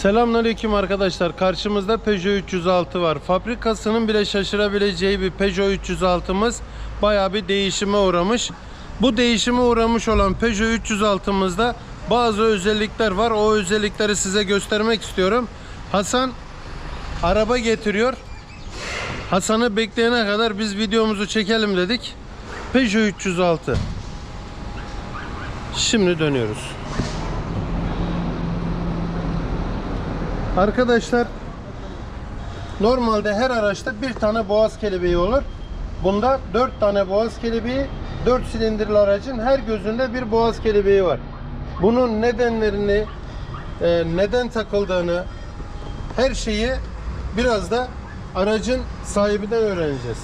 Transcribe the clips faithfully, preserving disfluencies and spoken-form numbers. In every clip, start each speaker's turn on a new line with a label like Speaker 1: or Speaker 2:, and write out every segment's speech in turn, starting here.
Speaker 1: Selamünaleyküm arkadaşlar. Karşımızda Peugeot üç yüz altı var. Fabrikasının bile şaşırabileceği bir Peugeot üç yüz altımız bayağı bir değişime uğramış. Bu değişime uğramış olan Peugeot üç yüz altımızda bazı özellikler var. O özellikleri size göstermek istiyorum. Hasan araba getiriyor. Hasan'ı bekleyene kadar biz videomuzu çekelim dedik. Peugeot üç yüz altı. Şimdi dönüyoruz. Arkadaşlar, normalde her araçta bir tane boğaz kelebeği olur. Bunda dört tane boğaz kelebeği, dört silindirli aracın her gözünde bir boğaz kelebeği var. Bunun nedenlerini, e, neden takıldığını, her şeyi biraz da aracın sahibinden öğreneceğiz.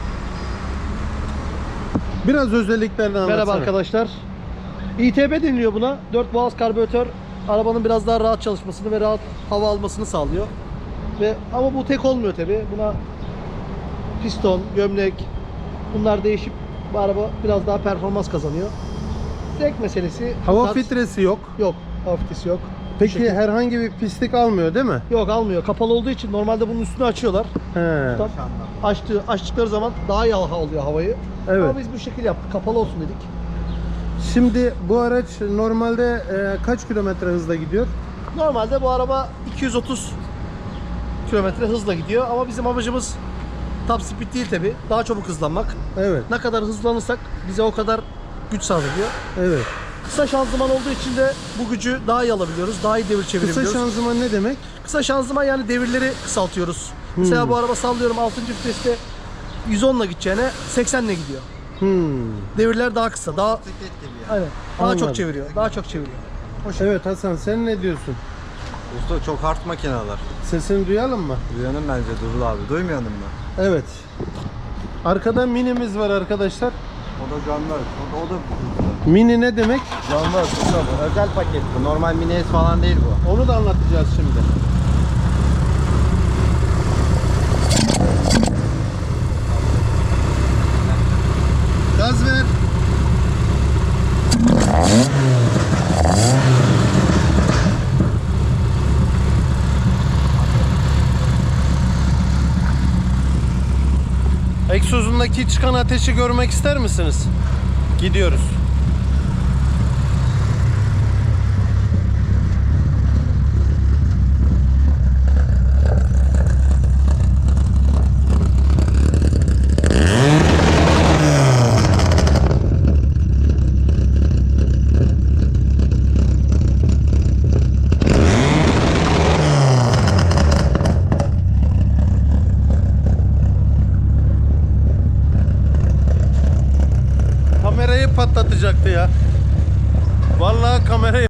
Speaker 1: Biraz özelliklerini anlatsana.
Speaker 2: Merhaba arkadaşlar. İ T B deniliyor buna. dört boğaz karbüratör arabanın biraz daha rahat çalışmasını ve rahat hava almasını sağlıyor. Ve ama bu tek olmuyor tabi. Buna piston, gömlek bunlar değişip bu araba biraz daha performans kazanıyor. Zevk meselesi.
Speaker 1: Hava
Speaker 2: Tarz-
Speaker 1: filtresi yok.
Speaker 2: Yok. Hava filtresi yok.
Speaker 1: Peki
Speaker 2: Şekil-
Speaker 1: herhangi bir pislik almıyor değil mi?
Speaker 2: Yok, almıyor. Kapalı olduğu için normalde bunun üstünü açıyorlar.
Speaker 1: He.
Speaker 2: Tam açtığı, açtıkları zaman daha iyi hava alıyor havayı.
Speaker 1: Evet.
Speaker 2: Ama biz bu şekil yaptık. Kapalı olsun dedik.
Speaker 1: Şimdi bu araç normalde e, kaç kilometre hızla gidiyor?
Speaker 2: Normalde bu araba iki yüz otuz kilometre hızla gidiyor ama bizim amacımız top speed değil tabi. Daha çabuk hızlanmak.
Speaker 1: Evet.
Speaker 2: Ne kadar hızlanırsak bize o kadar güç sağlıyor.
Speaker 1: Evet.
Speaker 2: Kısa şanzıman olduğu için de bu gücü daha iyi alabiliyoruz. Daha iyi devir
Speaker 1: Kısa
Speaker 2: çevirebiliyoruz. Kısa,
Speaker 1: şanzıman ne demek?
Speaker 2: şanzıman yani devirleri kısaltıyoruz. Mesela bu araba sallıyorum altıncı viteste yüz on ile gideceğine seksen ile gidiyor.
Speaker 1: Hmm.
Speaker 2: Devirler daha kısa. Daha Aynen. Daha
Speaker 1: Anladım.
Speaker 2: çok çeviriyor. Daha çok çeviriyor. O şekilde.
Speaker 1: Evet Hasan, sen ne diyorsun?
Speaker 3: Usta çok hard makineler.
Speaker 1: Sesini duyalım mı?
Speaker 3: Duyanım bence Durul abi. Duymayalım mı?
Speaker 1: Evet. Arkada minimiz var arkadaşlar.
Speaker 3: O da canlar. O da, o da
Speaker 1: Mini ne demek?
Speaker 3: canlar. Usta bu. Özel paket bu. Normal mini S falan değil bu.
Speaker 1: Onu da anlatacağız şimdi. Gaz ver. Egzozundaki çıkan ateşi görmek ister misiniz? Gidiyoruz. Kamerayı patlatacaktı ya. Vallahi kamerayı